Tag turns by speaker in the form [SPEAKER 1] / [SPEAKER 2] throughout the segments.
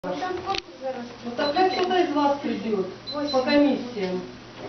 [SPEAKER 1] Ну тогда кто-то из вас придет по комиссиям.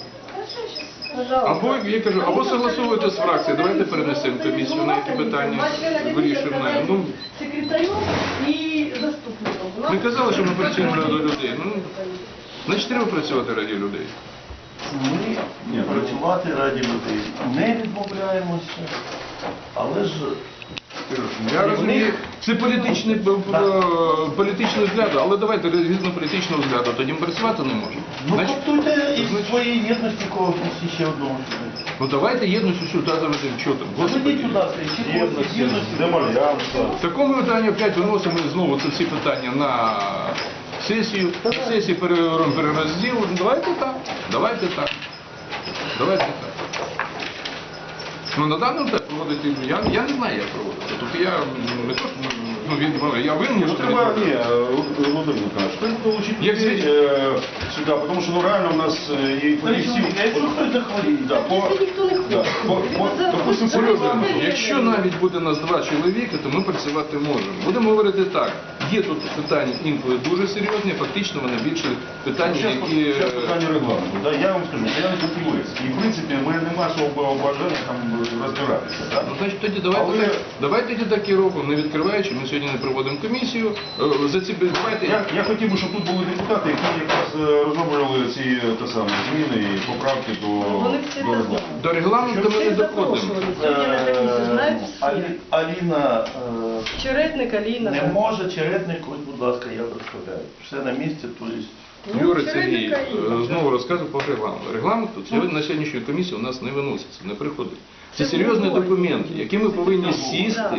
[SPEAKER 2] Або, я кажу, або согласовуйте з фракцією, давайте перенесемо комісію на які питання, вирішимо. Ну,
[SPEAKER 1] секретарем и заступником.
[SPEAKER 2] ми казали, що ми працюємо ради людей. Ну, значить, треба працювати раді людей.
[SPEAKER 3] Ми працювати раді людей не відмовляємося, але ж
[SPEAKER 2] Я розумію, це політичний взгляд, але давайте згідно політичного взгляду, тоді ми працювати не можемо.
[SPEAKER 3] ну
[SPEAKER 2] Значить,
[SPEAKER 3] готуйте із своєї єдності когось ще одного сюди.
[SPEAKER 2] ну давайте єдністю сюди заведемо. Що там?
[SPEAKER 3] Заведіть
[SPEAKER 2] Господи.
[SPEAKER 3] туди, ще когось єдності, демаріанства.
[SPEAKER 2] В такому питанні опять виносимо знову це всі питання на сесію. На сесії перерозділ. Давайте так. Давайте так. Давайте так. Ну, на даному етапі проводити, я не знаю, як проводити. Тобто я не то, що, я винен,
[SPEAKER 4] Ну,
[SPEAKER 2] що
[SPEAKER 4] треба, Владимир Николаевич, треба долучити
[SPEAKER 2] Як
[SPEAKER 4] людей сюди, потому что ну, реально у нас и фахівців...
[SPEAKER 3] Якщо хтось захворіє,
[SPEAKER 4] Да,
[SPEAKER 1] Если никто не
[SPEAKER 4] да,
[SPEAKER 1] хочет.
[SPEAKER 4] допустим,
[SPEAKER 2] серйозно, якщо навіть буде нас 2 чоловіки, то ми працювати можемо. Будемо говорити так, є тут питання інколи дуже серйозні, фактично вони більше питання, які...
[SPEAKER 4] Зараз питання регламенту. Да, я вам скажу, я не фахівець. І в принципі, в мене немає особого бажання там розбиратися. Да?
[SPEAKER 2] Ну, значить, тоді
[SPEAKER 4] Але-
[SPEAKER 2] давайте тоді так і робимо, не відкриваючи, ми сьогодні не проводимо комісію.
[SPEAKER 4] Я хотів би, щоб тут були депутати, які якраз розроблювали ці зміни і поправки
[SPEAKER 1] Вони всі
[SPEAKER 4] до регламенту.
[SPEAKER 2] До регламенту ми не
[SPEAKER 1] Всех
[SPEAKER 2] доходимо.
[SPEAKER 1] запрошували. Сегодня на комиссию знают все.
[SPEAKER 3] Аліна
[SPEAKER 1] Черетник, Алина.
[SPEAKER 3] не
[SPEAKER 1] да.
[SPEAKER 3] може, Черетник, ось, будь ласка, я представляю. Все на місці, то є.
[SPEAKER 1] Ну,
[SPEAKER 2] Юрій Сергій
[SPEAKER 1] Черетник, Алина.
[SPEAKER 2] знову розказував про регламент. Регламент тут сьогодні на сьогоднішню комісію у нас не виноситься, не приходить. Це серйозні документи, які ми повинні сісти,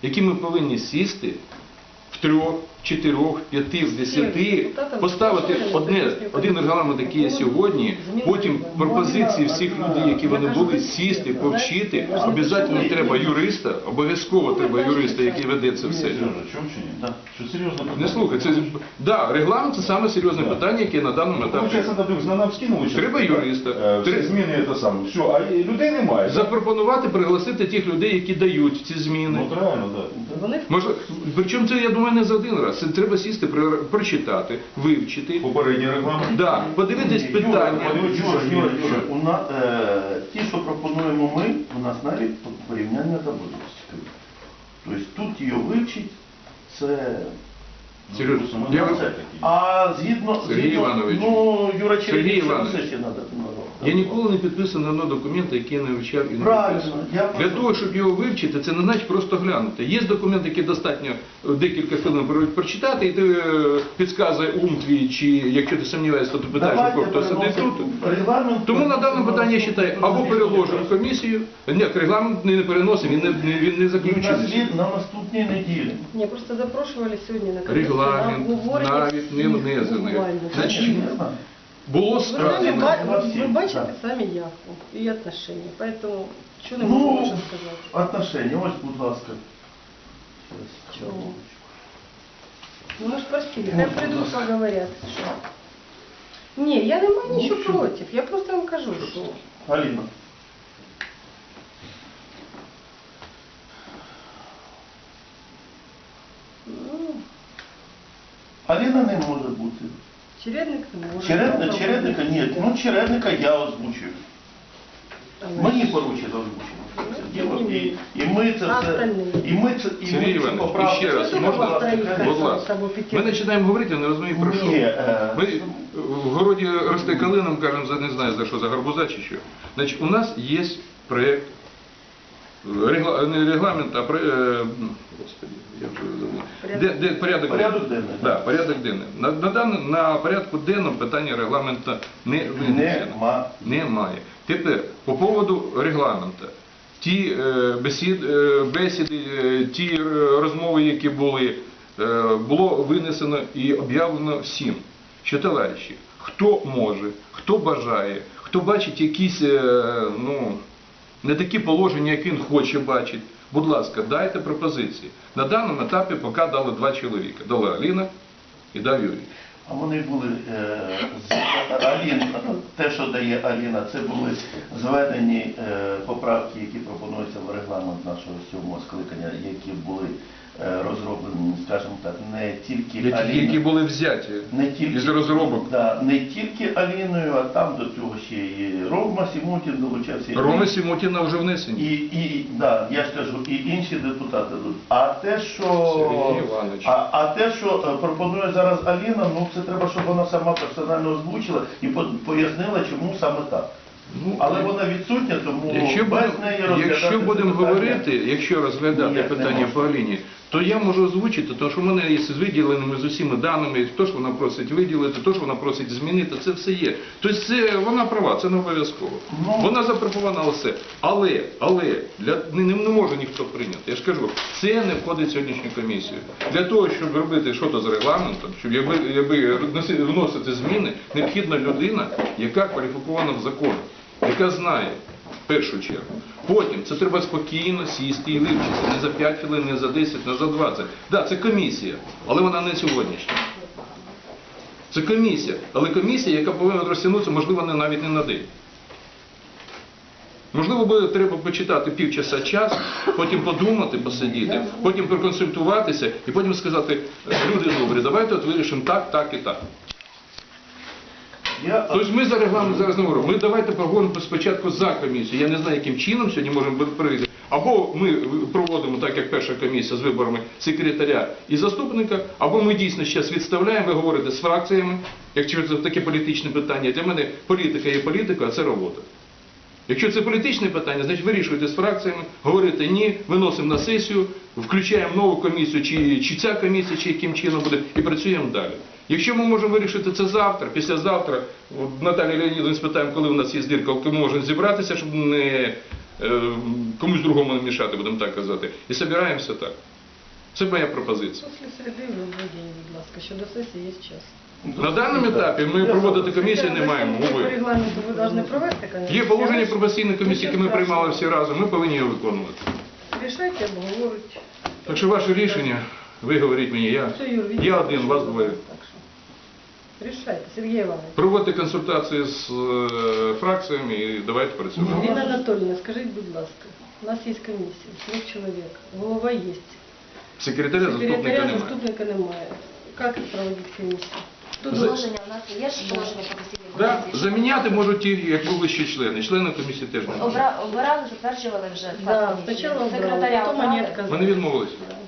[SPEAKER 2] в 3, 4, 5, 10, поставити один регламент, який є сьогодні, потім пропозиції всіх людей, які вони були, сісти, повчити. Обов'язково треба юриста, обов'язково треба юриста, який веде це все.
[SPEAKER 4] Сережа, чому чи ні?
[SPEAKER 3] Да.
[SPEAKER 4] Що серйозно питання?
[SPEAKER 2] Не слухай, регламент це саме серйозне питання, яке на даному етапі.
[SPEAKER 4] Получається, нам скинули. що
[SPEAKER 2] Треба юриста.
[SPEAKER 4] Всі зміни це саме. Все, а людей немає.
[SPEAKER 2] Запропонувати, пригласити тих людей, які дають ці зміни.
[SPEAKER 4] Ну, от реально, так.
[SPEAKER 1] Вони
[SPEAKER 2] Може, причому це, я думаю, не за один раз. Це треба сісти, прочитати, вивчити.
[SPEAKER 4] Попередній регламент.
[SPEAKER 2] Да, подивитись питання.
[SPEAKER 3] Юра, ті, що пропонуємо ми, у нас навіть порівняння таблиці. Тобто тут її вивчить, це...
[SPEAKER 2] Серйозно,
[SPEAKER 4] Ну,
[SPEAKER 2] я-
[SPEAKER 4] це такі.
[SPEAKER 3] А згідно...
[SPEAKER 2] Сергій Іванович.
[SPEAKER 3] Ну, Юра
[SPEAKER 2] Сергій
[SPEAKER 3] Чередник,
[SPEAKER 2] Іванович.
[SPEAKER 3] це ще треба.
[SPEAKER 2] Я ніколи не підписував на одного документа, який я не вивчав і не
[SPEAKER 3] Правильно,
[SPEAKER 2] підписував.
[SPEAKER 3] я
[SPEAKER 2] Для
[SPEAKER 3] просто-
[SPEAKER 2] того, щоб його вивчити, це не значить просто глянути. Є документ, який достатньо декілька хвилин прочитати, і ти підказує ум твій, чи якщо ти сумніваєшся, то ти питаєш,
[SPEAKER 3] Давайте
[SPEAKER 2] хто сидить тут.
[SPEAKER 3] переносимо регламент.
[SPEAKER 2] Тому на дане питання я вважаю, або переложимо в комісію. Ні, регламент не переносимо, він не заключений.
[SPEAKER 3] На наступній неділі.
[SPEAKER 1] не просто запрошували сегодня на комиссию.
[SPEAKER 2] Регламент
[SPEAKER 1] на обговорення
[SPEAKER 2] навіть не внесений.
[SPEAKER 1] буквально.
[SPEAKER 2] Значить,
[SPEAKER 3] Не знаю.
[SPEAKER 2] було
[SPEAKER 1] Вы сами
[SPEAKER 2] сказано.
[SPEAKER 1] вы бачите сами явку и отношения, поэтому что не
[SPEAKER 3] Ну,
[SPEAKER 1] можем сказать?
[SPEAKER 3] отношения, ось, будь ласка.
[SPEAKER 1] Чего? Ну, мы же просили, как придут, поговорят. Что? Не, я не маю ничего против, я просто вам кажу, что...
[SPEAKER 3] Аліна.
[SPEAKER 1] Ну,
[SPEAKER 3] Аліна не може бути.
[SPEAKER 1] чередник не может.
[SPEAKER 3] Чередника ні. Ну, чередника я озвучую. Мені поручено озвучено. І ми це
[SPEAKER 1] А
[SPEAKER 3] все...
[SPEAKER 1] остальні?
[SPEAKER 3] І ми це... І
[SPEAKER 2] Сергій
[SPEAKER 3] ми ці
[SPEAKER 2] Іванович,
[SPEAKER 3] поправки...
[SPEAKER 2] ще раз,
[SPEAKER 1] Що
[SPEAKER 2] можна?
[SPEAKER 1] ви повторюєте?
[SPEAKER 2] Будь ласка. Ми починаємо говорити, я не розумію про що.
[SPEAKER 3] Ні,
[SPEAKER 2] Ми в городі росте калином, кажемо, не знаю за що, за гарбуза чи що. Значить, у нас є проєкт, не регламент, а господи, я вже забув. Порядок
[SPEAKER 3] денний.
[SPEAKER 2] Да, порядок денний. На порядку денному питання регламенту не винесено. Немає. Тепер, по поводу регламенту. Ті бесіди, ті розмови, які були, було винесено і об'явлено всім, що, товариші, хто може, хто бажає, хто бачить якісь, не такі положення, які він хоче бачити, будь ласка, дайте пропозиції. На даному етапі поки дали 2 чоловіка. Дала Аліна і дав Юрій.
[SPEAKER 3] А вони були з Аліна, те, що дає Аліна, це були зведені поправки, які пропонуються в регламент нашого 7-го скликання, які були розроблені, скажімо так, не тільки
[SPEAKER 2] Які
[SPEAKER 3] Аліною.
[SPEAKER 2] були взяті
[SPEAKER 3] Не тільки,
[SPEAKER 2] із розробок.
[SPEAKER 3] да, не тільки Аліною, а там до цього ще і Рома Сімутін долучався. і
[SPEAKER 2] Роми Сімутіна вже внесені.
[SPEAKER 3] да, я ж кажу, і інші депутати. А те, що,
[SPEAKER 2] Сергій Іванович.
[SPEAKER 3] а те, що пропонує зараз Аліна, ну це треба, щоб вона сама персонально озвучила і пояснила, чому саме так.
[SPEAKER 2] Ну,
[SPEAKER 3] Але вона відсутня, тому
[SPEAKER 2] Якщо
[SPEAKER 3] без
[SPEAKER 2] будемо,
[SPEAKER 3] неї розглядати
[SPEAKER 2] якщо
[SPEAKER 3] це
[SPEAKER 2] будемо
[SPEAKER 3] питання
[SPEAKER 2] говорити, якщо розглядати
[SPEAKER 3] ніяк не
[SPEAKER 2] питання
[SPEAKER 3] можна.
[SPEAKER 2] по Аліні, то я можу озвучити, тому що в мене є з виділеними з усіма даними, то, що вона просить виділити, то, що вона просить змінити, це все є. Тобто це, вона права, це не обов'язково.
[SPEAKER 3] Ну.
[SPEAKER 2] Вона запропонувала все. Але не може ніхто прийняти. Я ж кажу, це не входить в сьогоднішню комісію. Для того, щоб робити щось з регламентом, щоб вносити зміни, необхідна людина, яка кваліфікована в законі, яка знає, в першу чергу. Потім це треба спокійно сісти і вивчити. Не за 5 хвилин, не за 10, не за 20. Так, це комісія, але вона не сьогоднішня. Це комісія, але комісія, яка повинна розтягнутися, можливо, навіть не на день. Можливо, буде треба почитати півчаса час, потім подумати, посидіти, потім проконсультуватися і потім сказати, люди добрі, давайте от вирішимо так, так і так. Тобто ми за регламент зараз не говоримо. Ми давайте поговоримо спочатку за комісію. Я не знаю, яким чином сьогодні можемо прийти. Або ми проводимо, так як перша комісія з виборами секретаря і заступника, або ми дійсно зараз відставляємо, ви говорите з фракціями, якщо це таке політичне питання. Для мене політика є політика, а це робота. Якщо це політичне питання, значить вирішуйте з фракціями, говорите ні, виносимо на сесію, включаємо нову комісію, чи ця комісія, чи яким чином буде, і працюємо далі. Якщо ми можемо вирішити це завтра, післязавтра, от Наталії Леонідовні спитаємо, коли у нас є збірка, коли ми можемо зібратися, щоб не комусь другому не мішати, будемо так казати, і збираємося так. Це моя пропозиція.
[SPEAKER 1] Після середи ви будете, будь ласка, що до сесії є час.
[SPEAKER 2] На даному етапі ми проводити комісію не маємо.
[SPEAKER 1] По регламенту ви повинні провести комісію.
[SPEAKER 2] Є положення про постійну комісію, яке ми приймали всі разом, ми повинні його виконувати.
[SPEAKER 1] Рішайте, обговорюйте.
[SPEAKER 2] Так що ваше рішення, ви говоріть мені, я один, вас двоє.
[SPEAKER 1] Так що, рішайте, Сергій Іванович.
[SPEAKER 2] Проводьте консультації з фракціями і давайте працювати.
[SPEAKER 1] Ірина Анатольевна, скажіть, будь ласка, у нас є комісія, 3 чоловік, голова є.
[SPEAKER 2] Секретаря, заступника немає.
[SPEAKER 1] Заступника немає. Як проводити комісію? Тут
[SPEAKER 5] Положення у нас є ж положення про постійні
[SPEAKER 2] Да,
[SPEAKER 5] комісії.
[SPEAKER 2] заміняти можуть ті, як були ще члени. Члени комісії теж не можуть.
[SPEAKER 5] Обирали, затверджували вже
[SPEAKER 1] Да,
[SPEAKER 5] склад комісії.
[SPEAKER 1] спочатку
[SPEAKER 5] Секретаря
[SPEAKER 1] потім
[SPEAKER 5] обрали.
[SPEAKER 1] монетка.
[SPEAKER 2] Вони відмовилися.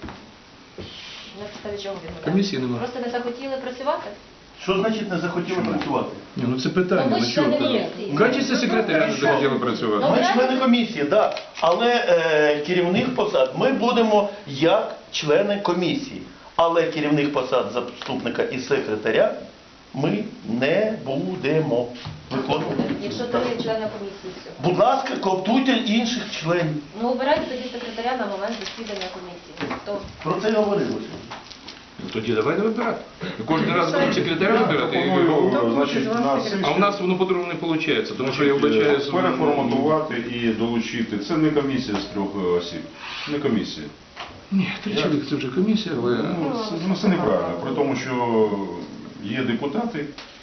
[SPEAKER 5] На підставі чого відмовляли?
[SPEAKER 2] Комісії немає.
[SPEAKER 5] Просто не захотіли працювати?
[SPEAKER 3] Що значить не захотіли працювати?
[SPEAKER 2] Ні, ну це питання,
[SPEAKER 5] Ну, ви
[SPEAKER 2] ну
[SPEAKER 5] ж
[SPEAKER 2] чого?
[SPEAKER 5] члени
[SPEAKER 2] так?
[SPEAKER 5] комісії.
[SPEAKER 2] В качестві секретаря не захотіли працювати.
[SPEAKER 3] Ми члени комісії, так. Але керівних посад ми будемо як члени комісії. Але керівних посад заступника і секретаря ми не будемо виконувати.
[SPEAKER 5] Якщо то є члени комісії, все.
[SPEAKER 3] Будь ласка, коптуйте інших членів.
[SPEAKER 5] Ну, обирайте тоді секретаря на момент засідання комісії. То
[SPEAKER 3] Про це говорилося.
[SPEAKER 2] Ну тоді давайте вибирати. Ми кожен раз будемо секретаря вибирати.
[SPEAKER 4] Пропоную, значить, на
[SPEAKER 2] А у нас воно по-другому не виходить, тому що я вбачаю...
[SPEAKER 4] переформатувати і долучити. Це не комісія з 3 осіб. Не комісія.
[SPEAKER 2] Ні, 3 чоловіки це вже комісія, але...
[SPEAKER 4] Ну, це неправильно. При тому, що є депутати.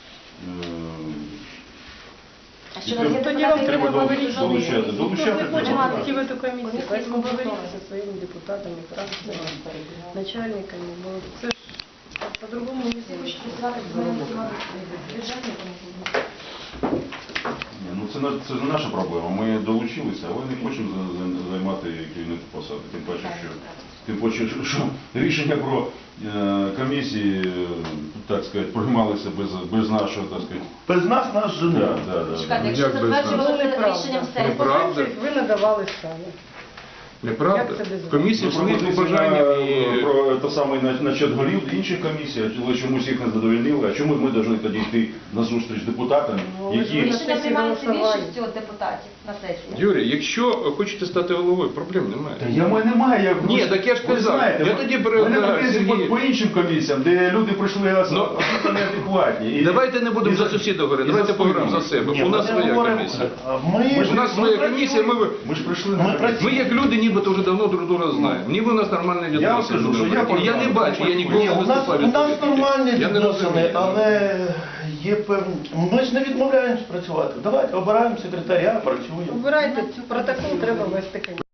[SPEAKER 5] а що у вас є
[SPEAKER 1] Тоді вам
[SPEAKER 5] депутати,
[SPEAKER 1] треба
[SPEAKER 5] які
[SPEAKER 1] говорити.
[SPEAKER 5] можуть
[SPEAKER 4] долучати.
[SPEAKER 5] жодної
[SPEAKER 4] Долучати
[SPEAKER 1] Никто не хочет
[SPEAKER 4] треба.
[SPEAKER 1] идти в эту комиссию, поэтому
[SPEAKER 5] Комісія
[SPEAKER 1] говорите
[SPEAKER 5] готова.
[SPEAKER 1] со своими депутатами, фракциями, начальниками. Ну, це ж по-другому не
[SPEAKER 5] Всі хочуть
[SPEAKER 1] зробиш.
[SPEAKER 5] працювати з моїм бюджетною комісією.
[SPEAKER 4] Ні, ну це не наша проблема. Ми долучилися, але не хочемо займати керівні посади. Тим паче, що рішення про комісії, так сказати, приймалися без нашого, так сказати.
[SPEAKER 3] Без нас жени.
[SPEAKER 4] Да.
[SPEAKER 5] Чекайте,
[SPEAKER 2] Ну,
[SPEAKER 5] якщо
[SPEAKER 2] як без нас?
[SPEAKER 5] затверджували
[SPEAKER 1] Неправда.
[SPEAKER 5] рішенням сесії,
[SPEAKER 2] Неправда.
[SPEAKER 1] Ви надавали самі.
[SPEAKER 2] Неправда?
[SPEAKER 1] Як це без вас?
[SPEAKER 2] Комісія своїх побажанням і...
[SPEAKER 4] Про те саме начат голів інших комісій, але чомусь їх не задовольнили. А чому ми повинні тоді йти на зустріч з депутатами,
[SPEAKER 1] Ну, ви ж
[SPEAKER 4] які...
[SPEAKER 5] рішення приймаються
[SPEAKER 1] голосували.
[SPEAKER 5] більшістю депутатів на сесії.
[SPEAKER 2] Юрій, якщо хочете стати головою, проблем немає.
[SPEAKER 4] Та я мене немає. Я,
[SPEAKER 2] Ні, так я ж
[SPEAKER 4] ви
[SPEAKER 2] казав.
[SPEAKER 4] знаєте,
[SPEAKER 2] Я тоді
[SPEAKER 4] мене претензії
[SPEAKER 2] Сергій-
[SPEAKER 4] по іншим комісіям, де люди прийшли абсолютно неадекватні. І-
[SPEAKER 2] Давайте не будемо
[SPEAKER 4] і
[SPEAKER 2] за сусіда говорити,
[SPEAKER 4] і
[SPEAKER 2] давайте
[SPEAKER 4] за
[SPEAKER 2] поговоримо за
[SPEAKER 4] спинами.
[SPEAKER 2] себе.
[SPEAKER 3] Ні,
[SPEAKER 2] У нас
[SPEAKER 3] ми
[SPEAKER 2] своя
[SPEAKER 3] говоримо,
[SPEAKER 2] комісія.
[SPEAKER 3] Ми
[SPEAKER 2] У нас своя комісія,
[SPEAKER 4] Ми ж прийшли
[SPEAKER 3] Ми
[SPEAKER 4] на
[SPEAKER 3] працюємо.
[SPEAKER 2] Ми як люди нібито вже давно друг друга знаємо. Ніби у нас нормальні
[SPEAKER 4] Я вам
[SPEAKER 2] відносини.
[SPEAKER 4] скажу, що
[SPEAKER 2] Я не бачу, я ніколи
[SPEAKER 3] Ні,
[SPEAKER 2] не
[SPEAKER 3] у нас
[SPEAKER 2] виступаю.
[SPEAKER 3] нормальні
[SPEAKER 2] Я не
[SPEAKER 3] відносини,
[SPEAKER 2] розумію.
[SPEAKER 3] але є певні. Ми ж не відмовляємось працювати. Давайте обираємо секретаря, працюємо.
[SPEAKER 1] Обирайте, протокол треба вести.